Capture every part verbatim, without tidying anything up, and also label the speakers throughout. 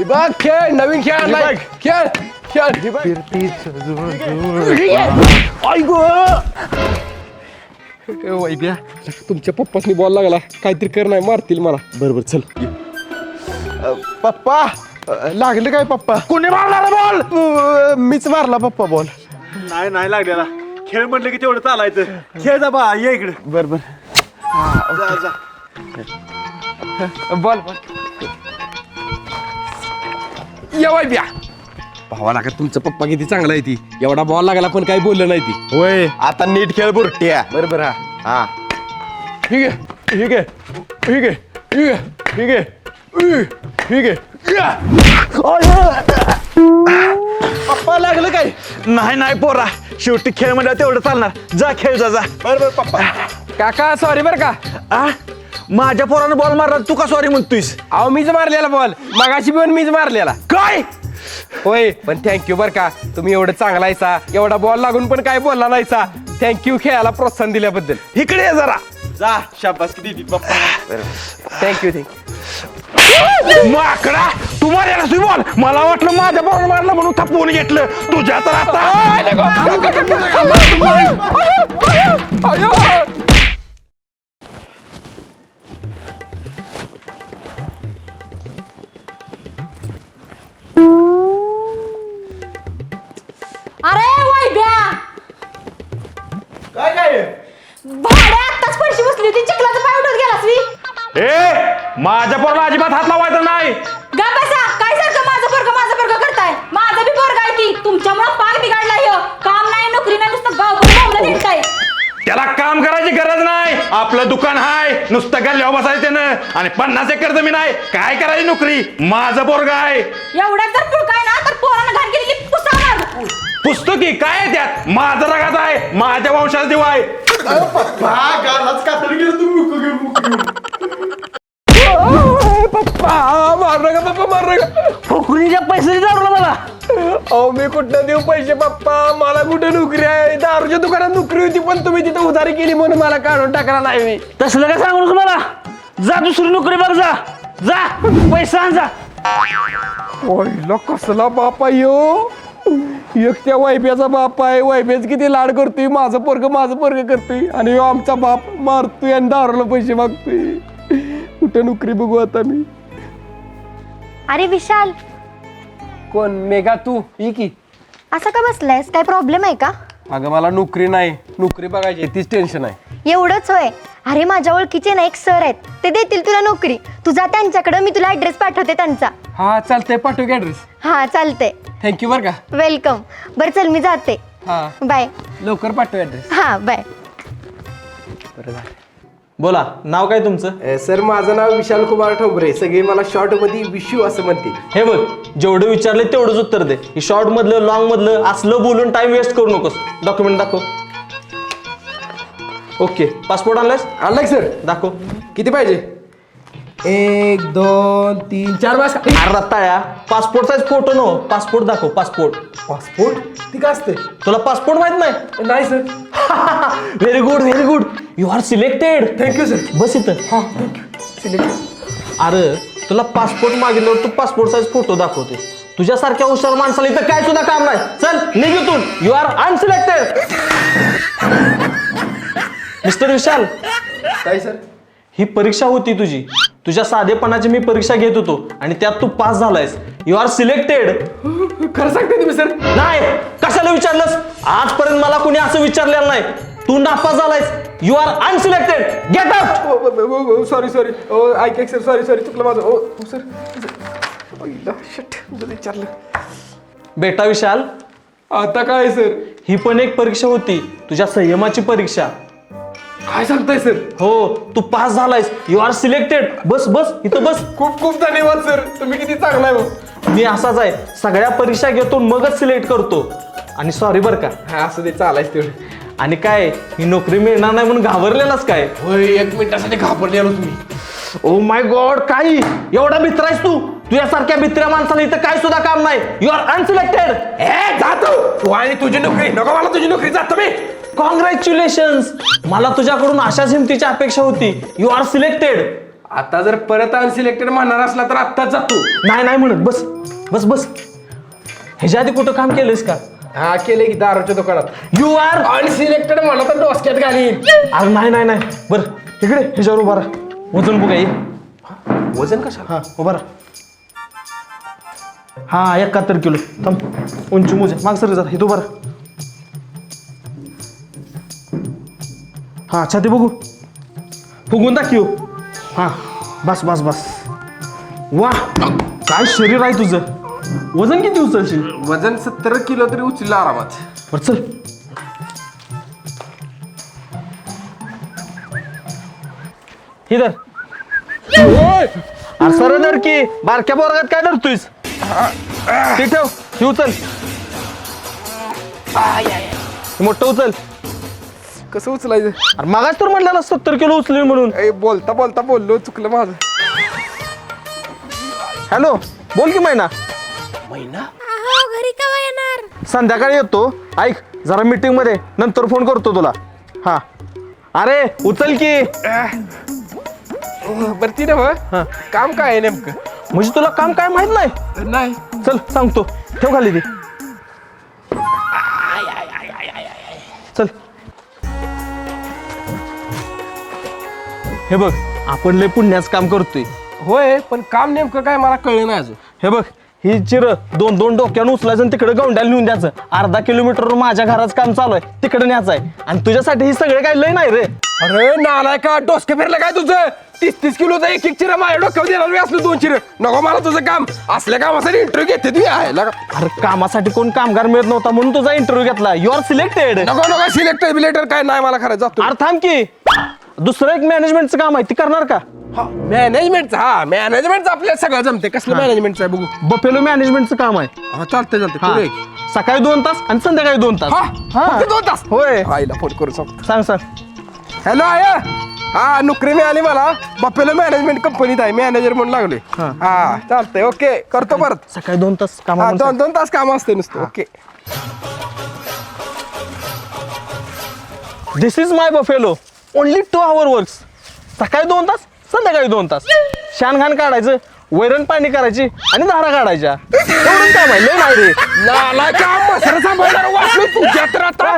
Speaker 1: बघ खेळ नवीन खेळ आणलाय. खेळ खेळ वैद्या तुमच्या पप्पासनी बॉल लागला काहीतरी कर नाही मारतील मला.
Speaker 2: बरोबर चल.
Speaker 1: पप्पा लागले काय पप्पा?
Speaker 2: कोणी मारला बॉल?
Speaker 1: मीच मारला पप्पा बॉल.
Speaker 2: नाही नाही लागलेला. खेळ म्हटलं की तेवढं चालायचं. खेळ जा बा ये इकडे.
Speaker 1: बरोबर
Speaker 2: जा जा.
Speaker 1: बॉल बॉल या वैद्या. भावा का तुमचा पप्पा किती चांगला आहे ती. एवढा बॉल लागला पण काही बोललं नाही ती.
Speaker 2: होय
Speaker 1: आता नीट खेळ बुरट्या. बरोबर हा हा ठीक आहे ठीक आहे ठीक आहे ठीक आहे ठीक आहे ठीक आहे. पप्पा लागलं काय?
Speaker 2: नाही नाही पोरा शेवटी खेळ म्हणलं तेवढं चालणार. जा खेळ जा जा.
Speaker 1: बरोबर पप्पा. काका सॉरी बरं का.
Speaker 2: आ माझ्या पोरानं बॉल मारला तू का सॉरी म्हणतोयस?
Speaker 1: अहो मीच मारलेला बॉल मगाशी पण मीच मारलेला.
Speaker 2: काय
Speaker 1: होय पण थँक्यू बरं का. तुम्ही एवढं चांगला आहेसा. एवढा बॉल लागून पण काय बोलला नाहीसा. थँक्यू खेळायला प्रोत्साहन दिल्याबद्दल.
Speaker 2: इकडे ये जरा. जा शाबास किती पप्पा.
Speaker 1: Thank you thank you.
Speaker 2: माकडा तू मारायला तुझी बॉल. मला वाटलं माझ्या बॉल मारला म्हणून थपवून घेतलं. तुझ्या तर आता
Speaker 3: अरे वैद्या
Speaker 2: काय काय
Speaker 3: भाड्या आत्ताच फरशी बसली होती चिखलाचं पाय उठत गेलास मी.
Speaker 2: ए माझ्या पोराला अजिबात हात लावायचा नाही.
Speaker 3: गा बसा काय सारखं माझं पोरगं माझं पोरगं करताय. माझं बी पोरगं आहे ती. तुमच्यामुळं पाय बिघडला ह्यो. काम नाही नोकरी नाही नुसतं गावभर बोंबलं निघताय.
Speaker 2: त्याला काम करायची गरज नाही. आपलं दुकान हाय नुसतं गल्ल्यावर बसायचं त्यानं आणि पन्नास एकर जमीन आहे. काय करायची नोकरी. माझं पोरगं आहे.
Speaker 3: एवढ्यात जर पुळकाय ना तर पोरानं घाण केलेली पुसावणार.
Speaker 2: पुस्तकी काय आहे त्यात. माझं रगात आहे. माझ्या वंशाचा दिवा आहे.
Speaker 1: पप्पा मार नका पप्पा मार नका.
Speaker 2: फुकरीच्या पैसे दारूला मला.
Speaker 1: अहो मी कुठं देऊ पैसे पप्पा. मला कुठे नोकरी आहे. दारूच्या दुकानात नोकरी होती पण तुम्ही तिथं उधारी केली म्हणून मला काढून टाकला नाही मी.
Speaker 2: तसलं काय सांगू नको मला. जा दुसरी नोकरी बघ. जा जा पैसा आण जा.
Speaker 1: ओयला कसला बाप आहे ह्यो. एक त्या वायफ्याचा बाप आहे. वायफ्याच किती लाड करतोय. माझं पोरग माझं पोरग करतोय आणि ह्यो आमचा बाप मारतोय आणि दारूला पैसे मागतोय. कुठे नोकरी बघू आता मी.
Speaker 4: अरे विशाल
Speaker 1: कोण मेघा तू ही की.
Speaker 4: असं का बसलायस काय प्रॉब्लेम आहे का?
Speaker 1: अगं मला नोकरी नाही. नोकरी बघायची तीच टेन्शन आहे.
Speaker 4: एवढंच होय. अरे माझ्या ओळखीचे ना एक सर आहेत ते देतील तुला नोकरी. तू जा त्यांच्याकडे मी तुला ऍड्रेस पाठवते त्यांचा.
Speaker 1: हा चालतंय पाठव की ऍड्रेस.
Speaker 4: हा चालते.
Speaker 1: थँक्यू बरं का.
Speaker 4: वेलकम. बरं चल मी जाते.
Speaker 1: हा
Speaker 4: बाय.
Speaker 1: लवकर पाठव ऍड्रेस.
Speaker 4: हा बाय.
Speaker 1: बरं झालं.
Speaker 5: बोला नाव काय तुमचं?
Speaker 1: सर माझं नाव विशाल कुमार ठोंबरे. सगळे मला शॉर्ट मध्ये विशू असं म्हणते.
Speaker 5: हे बघ जेवढं विचारले तेवढंच उत्तर दे. ही शॉर्ट मधलं लॉंग मधलं असलं बोलून टाइम वेस्ट करू नकोस. डॉक्युमेंट दाखव. ओके पासपोर्ट आणलायस?
Speaker 1: आणलाय सर.
Speaker 5: दाखव.
Speaker 1: किती पाहिजे? एक दोन तीन चार बस.
Speaker 5: अरे रत्ताळ्या passport size photo no. Passport दाखव. पासपोर्ट.
Speaker 1: पासपोर्ट ती काय असते?
Speaker 5: तुला पासपोर्ट माहित नाही?
Speaker 1: नाही sir.
Speaker 5: Very good very good. You are selected.
Speaker 1: Thank you sir.
Speaker 5: बस इथं.
Speaker 1: हा थँक्यू. सिलेक्ट.
Speaker 5: अरे तुला पासपोर्ट मागितल्यावर तू पासपोर्ट साईज फोटो दाखवते. तुझ्यासारख्या हुशार माणसाला इथं काय सुद्धा काम नाही. चल निघ इथून. You are unselected. Mister Vishal
Speaker 1: काय सर?
Speaker 5: ही परीक्षा होती तुझी. तुझ्या साधेपणाची मी परीक्षा घेत होतो आणि त्यात तू पास झालायस. You are selected.
Speaker 1: खरं सांगते तुम्ही सर?
Speaker 5: नाही कशाला विचारलंस. आजपर्यंत मला कोणी असं विचारलेलं नाही. तू नापास झालायस. You are unselected. Get out.
Speaker 1: Sorry sorry. ऐक ऐक सर. सॉरी सॉरी चुकलं माझं. ओ सर. शिट विचारलं.
Speaker 5: बेटा विशाल
Speaker 1: आता काय सर?
Speaker 5: ही पण एक परीक्षा होती. तुझ्या संयमाची परीक्षा.
Speaker 1: काय सांगताय सर?
Speaker 5: हो तू पास झालायस. You are selected. बस बस इथं बस.
Speaker 1: खूप खूप धन्यवाद सर. तुम्ही किती चांगला आहे हो.
Speaker 5: मी असाच आहे. सगळ्या परीक्षा घेतो मगच सिलेक्ट करतो. आणि सॉरी बरं का.
Speaker 1: हा असं ते चालायच तेवढं.
Speaker 5: आणि काय ही नोकरी मिळणार नाही म्हणून घाबरलेलाच काय?
Speaker 1: होय एक मिनिटासाठी घाबरलेलो तुम्ही.
Speaker 5: ओ माय गॉड काय एवढा भित्र आहेस तू. तुझ्यासारख्या भित्र्या माणसाला इथं काय सुद्धा काम नाही. You are unselected.
Speaker 1: ए जातो तू आणि तुझी नोकरी. नको मला तुझी नोकरी. जातो मी.
Speaker 5: कॉंग्रॅच्युलेशन्स. मला तुझ्याकडून अशाच हिमतीची अपेक्षा होती. You are selected.
Speaker 1: आता जर परत अनसिलेक्टेड म्हणणार असला तर आत्ताच जातो.
Speaker 5: नाही नाही म्हणत बस बस बस. ह्याच्या आधी कुठं काम केलंयस का?
Speaker 1: हा केले की दारूच्या दुकानात.
Speaker 5: यू आर
Speaker 1: अनसिलेक्टेड म्हणा तर डोसक्यात घालीन.
Speaker 5: अरे नाही नाही नाही बरं तिकडे ह्याच्यावर उभा राहा. वजन बघा ये.
Speaker 1: वजन कशा?
Speaker 5: हा उभा राहा. हा एकाहत्तर किलो. थांब उंची मोजे माग सर जरा इथं उभा राहा. हा छाती बघू फुगून दाखव. हा बस बस बस. वा काय शरीर आहे तुझं. वजन किती उचलशील?
Speaker 1: वजन सत्तर किलो तरी उचललं आरामात.
Speaker 5: बरं चल. इधर अरे सर धर की बारक्या पोरगात काय धरतोयस? ते ठेव हे उचल. हे मोठं उचल.
Speaker 1: कसं उचलायचं?
Speaker 5: अरे मागाच तर म्हणलेला सत्तर किलो उचलेल म्हणून.
Speaker 1: ए, बोलता बोलता बोललो चुकलं माझं.
Speaker 5: हॅलो बोल की मैना.
Speaker 1: महिना
Speaker 3: घरी केव्हा येणार?
Speaker 5: संध्याकाळी येतो. ऐक जरा मीटिंग मध्ये नंतर फोन करतो तुला. हा अरे उचल की.
Speaker 1: बरं ती ना काम काय आहे नेमकं?
Speaker 5: म्हणजे तुला काम काय माहित नाही?
Speaker 1: नाही.
Speaker 5: चल सांगतो. ठेव खाली ती. चल हे बघ आपण लय पुण्याचं काम करतोय.
Speaker 1: होय पण काम नेमकं काय मला कळलं नाही अजून.
Speaker 5: हे बघ ही चिर दोन दोन डोक्यानं उचलायचं आणि तिकडे गौंड्याला नेऊन द्यायचं. अर्धा किलोमीटरवर माझ्या घराचं काम चालू आहे तिकडे न्यायचं आहे. आणि तुझ्यासाठी ही सगळे काय लय नाही रे.
Speaker 1: अरे नालाय का डोसके फिरलं काय तुझं? तीस तीस किलोचा एक एक चिरा माझ्या डोक्यावर देणार मी असलं दोन चिर नको मला तुझं काम. असल्या कामासाठी इंटरव्ह्यू घेते तू आहे लगा.
Speaker 5: अरे कामासाठी कोण कामगार मिळत नव्हता म्हणून तुझा इंटरव्ह्यू घेतला. You are selected.
Speaker 1: नको नको सिलेक्टर बिलेक्टर काय नाही मला करायचं. जातो.
Speaker 5: अरे थांब की दुसरं एक मॅनेजमेंटचं काम आहे ती करणार का?
Speaker 1: मॅनेजमेंटचं हा मॅनेजमेंटचं आपल्याला सगळं जमते. कसलं मॅनेजमेंटचं आहे बघू?
Speaker 5: बफेलो मॅनेजमेंटचं काम आहे.
Speaker 1: हा चालतंय चालतंय
Speaker 5: हा.
Speaker 1: पुढे.
Speaker 5: सकाळी दोन तास आणि संध्याकाळी दोन तास.
Speaker 1: हा
Speaker 5: हा.
Speaker 1: फक्त दोन तास.
Speaker 5: होय
Speaker 1: आईला फोन करू सांग.
Speaker 5: सांग सांग.
Speaker 1: हॅलो आय हा नोकरी मिळाली मला. बपेलो मॅनेजमेंट कंपनीत आहे मॅनेजर म्हणून लागले.
Speaker 5: हा.
Speaker 1: हा चालतंय ओके करतो परत.
Speaker 5: सकाळी दोन तास
Speaker 1: हा
Speaker 5: काम.
Speaker 1: दोन दोन तास काम असते नुसतं. Okay
Speaker 5: this is my buffalo only two hour works. सकाळी दोन तास संध्याकाळी दोन तास. शानघाण काढायचं वैरण पाणी करायची आणि धारा काढायच्या. एवढंच काम आहे लय नाही रे.
Speaker 1: नालाय का मसर सांभाळणार वाचलो तुझ्या तर आता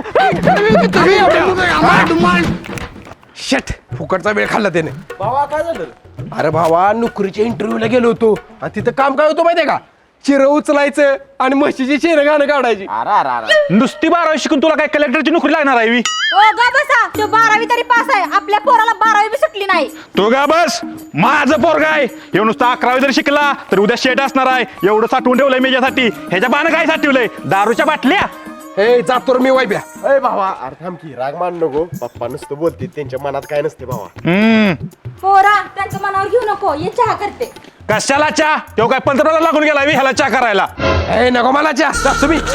Speaker 1: शेट फुकटचा वेळ खाल्ला त्याने.
Speaker 5: भावा काय झालं?
Speaker 1: अरे भावा नोकरीच्या इंटरव्ह्यूला गेलो होतो आणि तिथं काम काय होतं माहितीये का? चिरं उचलायचं आणि म्हशीची शेण गाणं काढायची.
Speaker 2: नुसती बारावी शिकून तुला काय कलेक्टरची नोकरी लागणार आहे?
Speaker 3: ओ गा बसा. तो बारावी तरी पास आहे. आपल्या पोराला बारावी बी सुटली नाही.
Speaker 2: तो का बस माझं पोरगा आहे. एवढं नुसतं अकरावी जर शिकला तर उद्या शेट असणार आहे. एवढं साठवून ठेवलंय मेच्यासाठी. ह्याच्या बाण काय साठवलंय? दारूच्या बाटल्या.
Speaker 1: हे जातो रे मी वायब्या.
Speaker 6: अरे भावा अरे थांब की राग मान नको. पप्पा नुसतं बोलते त्यांच्या मनात काय नसते भावा.
Speaker 2: हम्म
Speaker 3: पोरा त्यांचं मनावर घेऊ नको. ये चहा करते.
Speaker 2: कशाला चहा? तो काय पंतप्रधान लागून गेला ह्याला चहा करायला.
Speaker 1: हे नको मला चा जातो मी.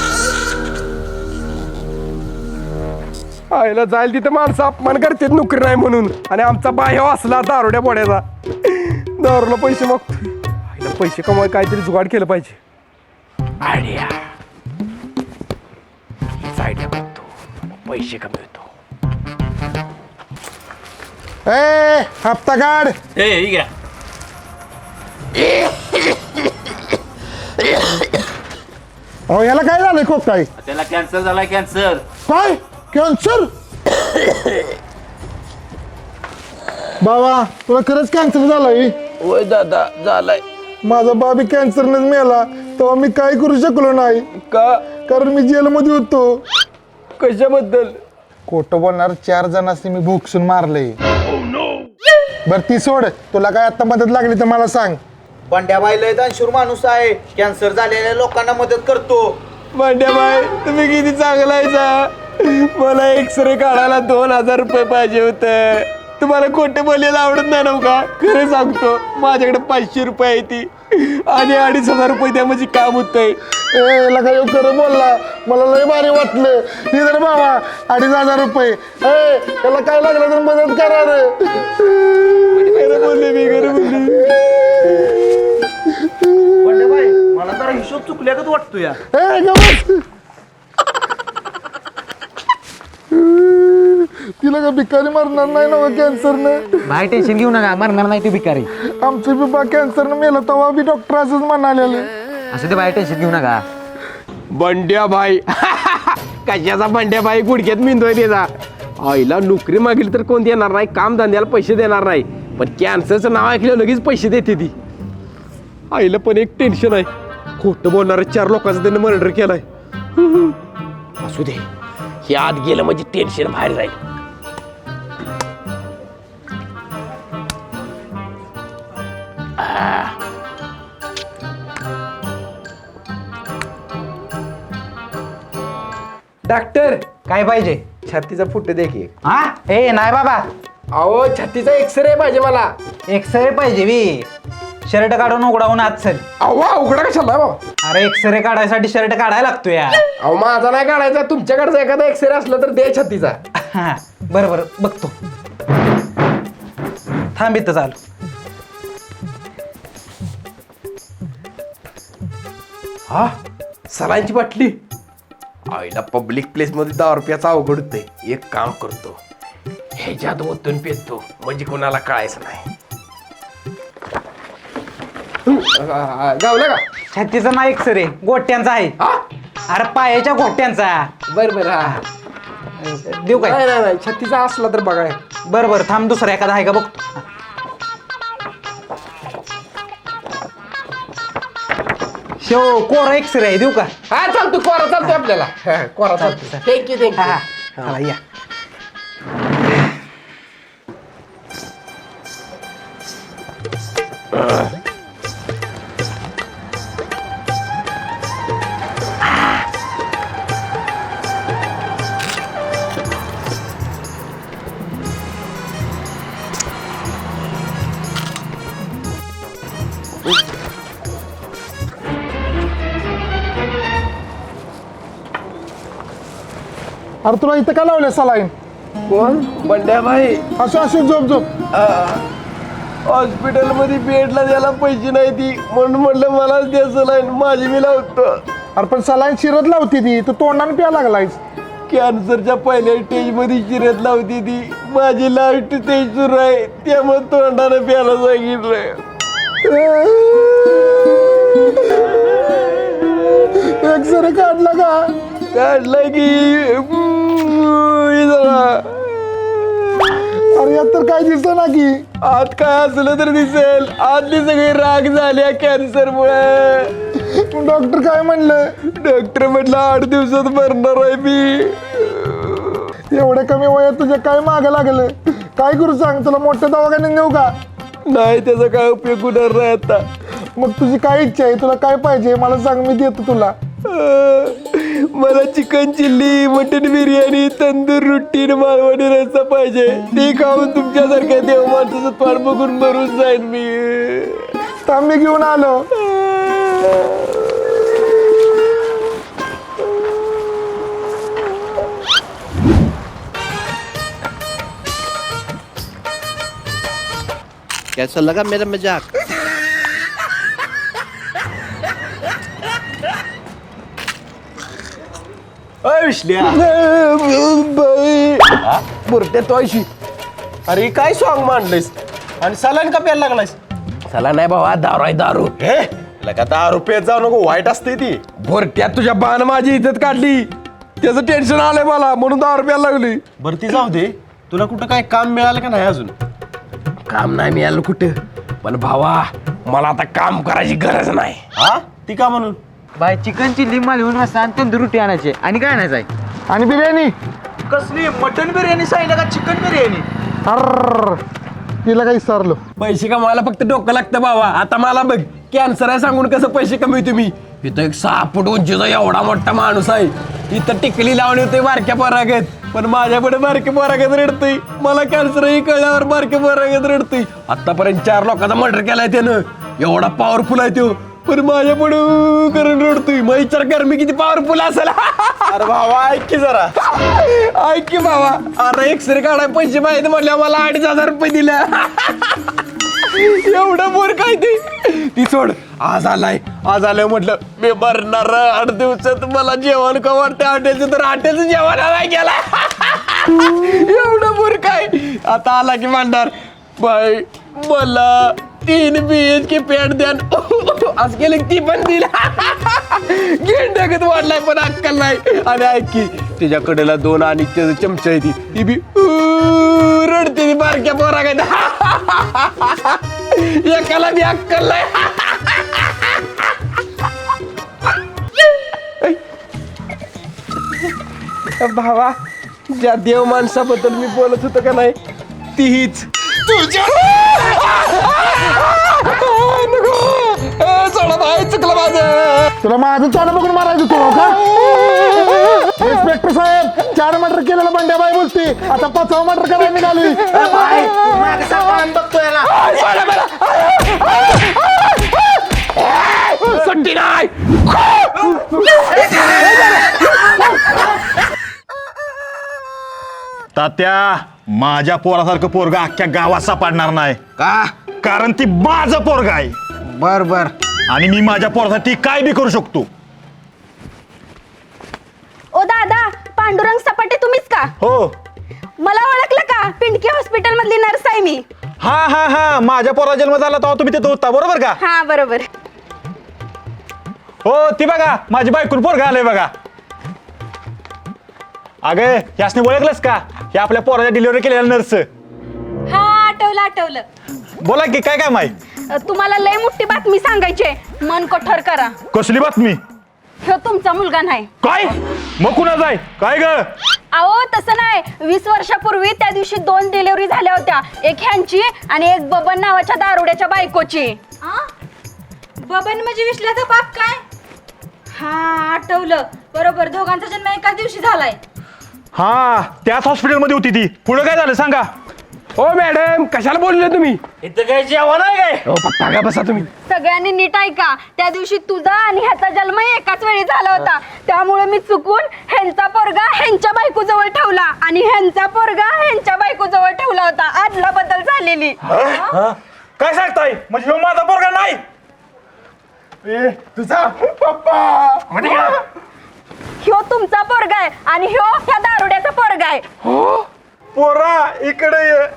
Speaker 1: आईला जाईल तिथं माणसं अपमान करतात नोकरी नाही म्हणून. आणि आमचा बाह्य असला दारुड्या बोड्याचा दारूला पैसे मागतो. आईला पैसे कमवाय काहीतरी जुगाड केलं पाहिजे. आयडिया आयडिया बघतो पैसे कमवतो.
Speaker 6: ए हप्ता काढ. अहो याला काय झालंय खूप काय?
Speaker 7: त्याला कॅन्सर झालाय. कॅन्सर.
Speaker 6: काय कॅन्सर? बाबा तुला खरंच कॅन्सर झालाय?
Speaker 1: होय दादा झालाय.
Speaker 6: माझा बाबी कॅन्सरनेच मेला तेव्हा मी काय करू शकलो नाही
Speaker 1: का?
Speaker 6: कारण मी जेलमध्ये होतो.
Speaker 1: कशाबद्दल?
Speaker 6: खोटं बोलणार चार जणांनी मी भोगसून मारले. बर ती सोड. तुला काय आता मदत लागली तर मला सांग.
Speaker 8: बंड्याबाई लय दानशूर माणूस आहे. कॅन्सर झालेल्या लोकांना मदत करतो.
Speaker 1: भांड्याबाई तुम्ही किती चांगला आहे. मला एक्सरे काढायला दोन हजार रुपये पाहिजे होते. तुम्हाला खोटे बोलायला आवडत नाही ना का? खरं सांगतो माझ्याकडे पाचशे रुपये आहे ती आणि अडीच हजार रुपये द्या म्हणजे काम होतंय.
Speaker 6: ए लगा येऊ खरं बोलला. मला लय भारी वाटलं. हे जर बाबा अडीच हजार रुपये. ए त्याला काय लागलं तर मदत करा रे.
Speaker 1: खरं बोलले मी खरं बोलले.
Speaker 8: बंड्याबाई मला जरा हिशोब चुकल्यागत वाटतो या.
Speaker 6: ए गं बस. तिला का भिकारी मरणार नाही ना कॅन्सरनं.
Speaker 9: भाई टेन्शन घेऊ नका, मरणार नाही तू भिकारी.
Speaker 6: आमचं बी बा कॅन्सरनं मेलं तेव्हा बी डॉक्टर असंच म्हणालेलं.
Speaker 9: असं ते भाई टेन्शन घेऊ नका.
Speaker 1: बंड्या भाई कशाचा बंड्या भाई गुडघ्यात मिंदोय त्याचा. आईला नोकरी मागेल तर कोण देणार नाही, काम धंद्याला पैसे देणार नाही, पण कॅन्सरचं नाव ऐकलं लगेच पैसे देते ती. आईला पण एक टेन्शन आहे, खोटं बोलणाऱ्या चार लोकांचं त्याने मर्डर केलाय. असू दे, हे आत गेलं म्हणजे टेन्शन बाहेर जाईल. डॉक्टर
Speaker 9: काय पाहिजे?
Speaker 1: छातीचा फुट दे की.
Speaker 9: हा ए नाही बाबा,
Speaker 1: अहो छातीचा एक्सरे पाहिजे मला.
Speaker 9: एक्सरे पाहिजे बी. शर्ट काढून उघडावून आत चल.
Speaker 1: अव्वा उघडा कशाला बाबा.
Speaker 9: अरे एक्सरे काढायसाठी शर्ट काढायला लागतो या.
Speaker 1: अहो माझा नाही काढायचा, तुमच्याकडचा एखादा एक्सरे असला तर दे छातीचा.
Speaker 9: हा बरं बरं बघतो. थांब इथं चालू.
Speaker 1: हा सलांची बाटली. आईला पब्लिक प्लेस मध्ये दहा रुपयाचा अवघड होतंय. एक काम करतो, ह्याच्यात ओतून पेतो म्हणजे कोणाला कळायचं नाही. गावलं का?
Speaker 9: छातीचा नाही एक्सरे, गोट्यांचा आहे.
Speaker 1: हा
Speaker 9: अरे पायाच्या गोट्यांचा.
Speaker 1: बर बर. हा
Speaker 9: देऊ काय?
Speaker 1: नाही नाही नाही, छत्तीचा असला तर बघा.
Speaker 9: बरं बरं थांब, दुसरा एखादा आहे का बघतो. शेव कोरा एक्सरे आहे, देऊ का?
Speaker 1: हा चालतो, कोरा चालतो आपल्याला. हा, कोरा चालतो. थँक्यू
Speaker 9: हा हा
Speaker 1: थँक्यू.
Speaker 9: चला, या.
Speaker 6: अरे तुला इथं का लावले सलाईन?
Speaker 1: कोण? बंड्या भाई.
Speaker 6: असं असं झोप झोप.
Speaker 1: हॉस्पिटल मध्ये बेडला द्यायला पैसे नाही ती, म्हणून म्हटलं मलाच द्यायचं नाही, माझी मी लावतो.
Speaker 6: अरे पण सलाईन शिरत लावती ती, तू तोंडाने प्या लागलायस.
Speaker 1: कॅन्सरच्या पहिल्या स्टेज मध्ये शिरत लावती ती, माझी लास्ट स्टेज सुरू आहे, त्यामुळे तोंडानं प्यायला सांगितलंय.
Speaker 6: एक्सरे काढला का?
Speaker 1: काढलं की
Speaker 6: अरे यात तर काय दिसत ना की.
Speaker 1: आत काय असलं तर दिसेल, आतली सगळी राग झाल्या कॅन्सर मुळे.
Speaker 6: डॉक्टर काय म्हणलं?
Speaker 1: डॉक्टर म्हटलं आठ दिवसात मरणार आहे मी.
Speaker 6: एवढ्या कमी वयात तुझ्या काय मागं लागलं? काय करू सांग, तुला मोठ्या दवाखान्यात नेऊ का?
Speaker 1: नाही त्याचा काय उपयोग होणार नाही आता.
Speaker 6: मग तुझी काय इच्छा आहे, तुला काय पाहिजे मला सांग, मी देतो तुला.
Speaker 1: अं, मला chicken chilli, mutton biryani, tandoor रोटी, मालवणी रस्सा पाहिजे. ते खाऊन तुमच्यासारख्या देव माणसाचं पाठ बघून मरून जाईन मी.
Speaker 6: थांब मी घेऊन आलो.
Speaker 8: कैसा लगा मेरा मजाक?
Speaker 1: बुरट्या तो ऐशी.
Speaker 5: अरे काय सॉंग मांडलेस आणि सलाईन का प्यायला लागलायस?
Speaker 1: चला नाही बाबा, दारू आहे दारू.
Speaker 5: हे लगा दहा रुपयात जाऊ नको, वाईट असते ती.
Speaker 1: बुरट्यात तुझ्या बाण माझी इज्जत काढली, त्याचं टेन्शन आलंय मला, म्हणून दारू प्यायला लागली.
Speaker 5: बरं ती जाऊ दे, तुला कुठं काय काम मिळालं का नाही अजून?
Speaker 1: काम नाही मिळालं कुठं, पण भावा मला आता काम करायची गरज नाही.
Speaker 5: हा ती का म्हणून?
Speaker 9: बाय चिकन चिल्ली मालवून रस्सा आणि तंदूर रोटी आणायचे आणि काय आणायचं आहे?
Speaker 6: आणि बिर्याणी.
Speaker 5: कसली मटन बिर्याणी सांगितलं का चिकन बिर्याणी?
Speaker 6: अर तिला काही विचारलो.
Speaker 1: पैसे कमावायला फक्त डोकं लागतं बाबा. आता मला बघ, कॅन्सर आहे सांगून कसं पैसे कमी तुम्ही. इथं एक सहा फूट उंचीचा एवढा मोठा माणूस आहे, इथं टिकली लावणी होते बारक्या पोरागत, पण माझ्यापुढे बारके पोरागत रडतोय. मला कॅन्सर ही कळल्यावर बारके पोरागत रडतोय. आतापर्यंत चार लोकांचा मर्डर केलाय त्यानं, एवढा पॉवरफुल आहे तो, पण माझ्या पुढे करून रडतोय. मग विचार कर मी किती पॉवरफुल असेल.
Speaker 5: अरे भावा ऐक की जरा.
Speaker 1: ऐक की बाबा, अरे एक्सरे काढाय पैसे माहिती म्हटल्या मला अडीच हजार रुपये दिल्या. एवढं बोर काय ते ती सोड. आज आलाय, आज आलाय म्हटलं मी मरणार आठ दिवसात, मला जेवण का वाटतं हॉटेलचं, तर हॉटेलचं जेवण आलाय गेला. एवढं बुर काय आता आला की मांडणार बाई मला तीन बी एच की पॅन्ट द्या आज गेले ती पण दिला गेंडगत वाढलाय पण अक्कल नाही आणि ऐक की तिच्या कडेला दोन आणि त्याचं चमचा आहे ती ती बी उ, रडते ती बारक्या पोरा काय एकाला बी अक्कल नाही भावा ज्या देव माणसाबद्दल मी बोलत होतो का नाही ती हीच चला बाय चुकलं माझं
Speaker 6: तुला माझं तोंड बघून मारायचं तू का इन्स्पेक्टर साहेब चार मर्डर केलेलं बंड्याबाई बोलते आता पाचवा मर्डर करायला निघाली
Speaker 8: बघतो याला
Speaker 1: सुट्टी नाही
Speaker 2: तात्या माझ्या पोरासारखं पोरगा अख्ख्या गावात सापडणार नाही का कारण ती माझं पोरगा आहे
Speaker 8: बर बर
Speaker 2: आणि मी माझ्या पोरासाठी काय बी करू शकतो.
Speaker 3: ओ दादा पांडुरंग सपाटे तुम्हीच का
Speaker 5: हो
Speaker 3: मला ओळखलं का पिंडकी हॉस्पिटल मधली नर्स आहे मी
Speaker 5: हा हा हा माझ्या पोरा जन्म झाला तेव्हा तुम्ही तिथं होता बरोबर का
Speaker 3: हा बरोबर
Speaker 5: हो ती बघा माझी बायकून पोरगा आलंय बघा. अगे यासने ओळखलंस का हे आपल्या पोराच्या डिलिव्हरी केलेला नर्स.
Speaker 3: हा आठवलं आठवलं
Speaker 5: बोला की काय काम आहे.
Speaker 3: अ, तुम्हाला लय मोठी बातमी सांगायची आहे. मन कठोर करा
Speaker 2: कसली बातमी.
Speaker 3: ह्यो तुमचा मुलगा नाही
Speaker 2: काय मग कुणाचा आहे काय ग.
Speaker 3: अहो तसं नाही वीस वर्षापूर्वी त्या दिवशी दोन डिलिव्हरी झाल्या होत्या एक ह्यांची आणि एक बबन नावाच्या दारुड्याच्या बायकोची. बबन म्हणजे विश्लाचा बाप काय हा आठवलं बरोबर दोघांचा जन्म एकाच दिवशी झालाय.
Speaker 2: हा त्याच हॉस्पिटलमध्ये होती ती. पुढे काय झालं सांगा.
Speaker 1: हो मॅडम कशाला बोलले तुम्ही
Speaker 9: इथं काय जेवण आहे काय
Speaker 1: हो पप्पा का बसा तुम्ही
Speaker 3: सगळ्यांनी नीट ऐका त्या दिवशी तुझा आणि ह्याचा जन्म एकाच वेळी झाला होता त्यामुळे मी चुकून ह्यांचा पोरगा ह्यांच्या बायको जवळ ठेवला आणि ह्यांचा पोरगा ह्यांच्या बायको जवळ ठेवला होता आदला बदल झालेली.
Speaker 2: काय सांगताय म्हणजे ह्यो माझा पोरगा नाही.
Speaker 1: तुझा पप्पा
Speaker 3: ह्यो तुमचा पोरगा आहे आणि ह्यो ह्या दारुड्याचा पोरगा आहे.
Speaker 2: पोरा इकडे ये.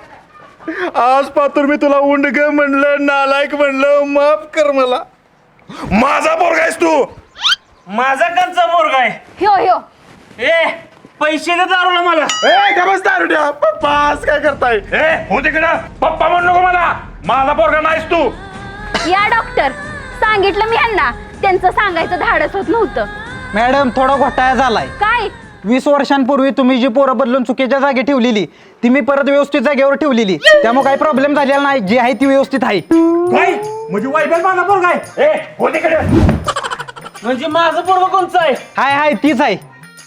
Speaker 2: आज पातूर मी तुला उंडग म्हणलं नालायक म्हणलं माफ कर मला. माझा पोरगा आहेस तू.
Speaker 9: माझा कंचा पोरगा आहे
Speaker 3: ह्यो ह्यो
Speaker 9: ए पैसे दे दारूला मला.
Speaker 1: ए का बस दारुड्या पप्पा आज काय करताय
Speaker 2: ए हो तिकडं पप्पा म्हणू नको मला. माझा पोरगा नाहीस तू.
Speaker 3: या डॉक्टर सांगितलं मी ह्यांना त्यांचं सांगायचं धाडस होत नव्हतं.
Speaker 9: मॅडम थोडा घोटाळा झालाय.
Speaker 3: काय
Speaker 9: वीस वर्षांपूर्वी तुम्ही जी पोरं बदलून चुकीच्या जागी ठेवलेली ती मी परत व्यवस्थित जागेवर ठेवलेली त्यामुळे काही प्रॉब्लेम झालेला नाही जी आहे ती व्यवस्थित आहे.
Speaker 2: काय म्हणजे वाईबल माझा पोरगा आहे. ए हो तिकडे.
Speaker 9: म्हणजे माझं पोरगा कोणचं आहे हाय हाय तीच आहे.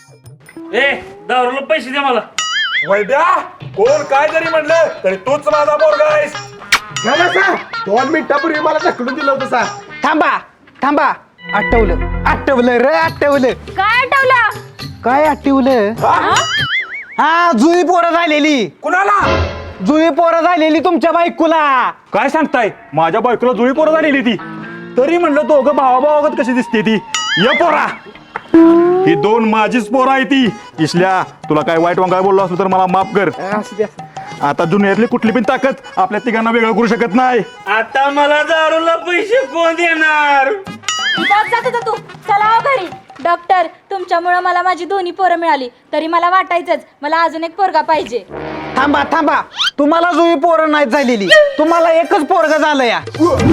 Speaker 9: ए दारूला पैसे दे मला.
Speaker 2: वैद्या कोण काय जरी म्हणलं तरी तूच माझा पोरगा आहेस.
Speaker 1: घ्या बसा दोन मिनिटापूर्वी मला ढकलून दिलं होतं सा
Speaker 9: थांबा थांबा आठवलं आठवलं रे आठवलं.
Speaker 3: काय आठवलं
Speaker 9: काय आठवलं हा जुई पोरं झालेली.
Speaker 2: कुणाला.
Speaker 9: जुई पोरं झालेली तुमच्या बायकोला.
Speaker 2: काय सांगताय माझ्या बायकोला जुळी पोरं झालेली ती. तरी म्हणलं दोघं भावाभावागत कशी दिसते ती. ये पोरा ही दोन माझीच पोरं आहे ती. इसल्या तुला काय वाईट वांगाय बोललो असलो तर मला माफ कर.
Speaker 1: असू द्या
Speaker 2: आता दुनियातली कुठली पण ताकद आपल्या तिघांना वेगळं करू शकत नाही.
Speaker 9: आता मला दारूला पैसे कोण देणार.
Speaker 3: जात जात होता तू चला हो घरी. डॉक्टर तुमच्यामुळे मला माझी दोन्ही पोरं मिळाली तरी मला वाटायचंच मला अजून एक पोरगा पाहिजे.
Speaker 9: थांबा थांबा तुम्हाला जुई पोरं नाही झालेली तुम्हाला एकच पोरगा झालं या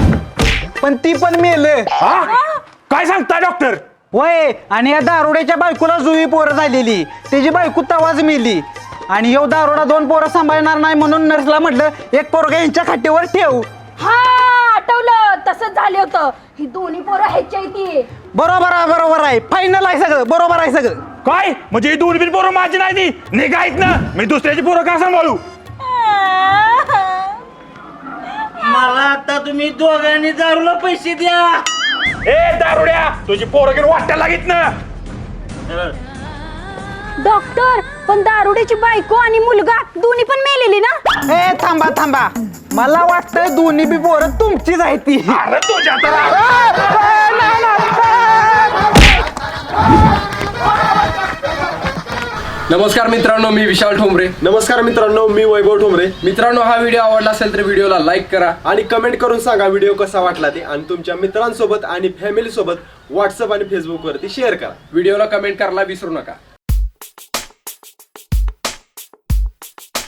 Speaker 9: पण ती पण मेलं.
Speaker 2: हा? काय सांगताय डॉक्टर.
Speaker 9: वय आणि या दारुड्याच्या बायकोला जुई पोरं झालेली त्याची बायको तवाच मेली आणि ह्यो दारुडा दोन पोरं सांभाळणार नाही म्हणून नर्सला म्हटलं एक पोरगा यांच्या खाटेवर ठेव.
Speaker 3: हा आठवलं तसंच झालं होतं ही दोन्ही पोरं ह्याच्या ती.
Speaker 9: बरोबर आहे बरोबर आहे फायनल आहे सगळं बरोबर आहे सगळं.
Speaker 2: काय म्हणजे ही दोन बिन पोरं माझी नाही ती. निघायत ना मी दुसऱ्याची पोरं का सांभाळू.
Speaker 9: मला आता तुम्ही दोघांनी दारूला पैसे द्या.
Speaker 2: ए दारुड्या तुझी पोरं घेऊन वाटायला लागित ना.
Speaker 3: डॉक्टर पण दारुड्याची बायको आणि मुलगा दोन्ही पण मेलेली ना.
Speaker 9: ए थांबा थांबा मला वाटतंय दोन्ही बी पोरं तुमचीच आहे ती.
Speaker 2: अरे तुझ्या तर
Speaker 1: नमस्कार मित्रांनो, मी विशाल ठोंबरे.
Speaker 10: नमस्कार मित्रांनो, मी वैभव ठोंबरे.
Speaker 1: मित्रांनो, हा व्हिडिओ आवडला असेल तर व्हिडिओला लाईक करा
Speaker 10: आणि कमेंट करून सांगा व्हिडिओ कसा वाटला ते, आणि तुमच्या मित्रांसोबत आणि फॅमिली सोबत व्हॉट्सअप आणि फेसबुक वरती शेअर करा.
Speaker 1: व्हिडिओला कमेंट करायला विसरू नका.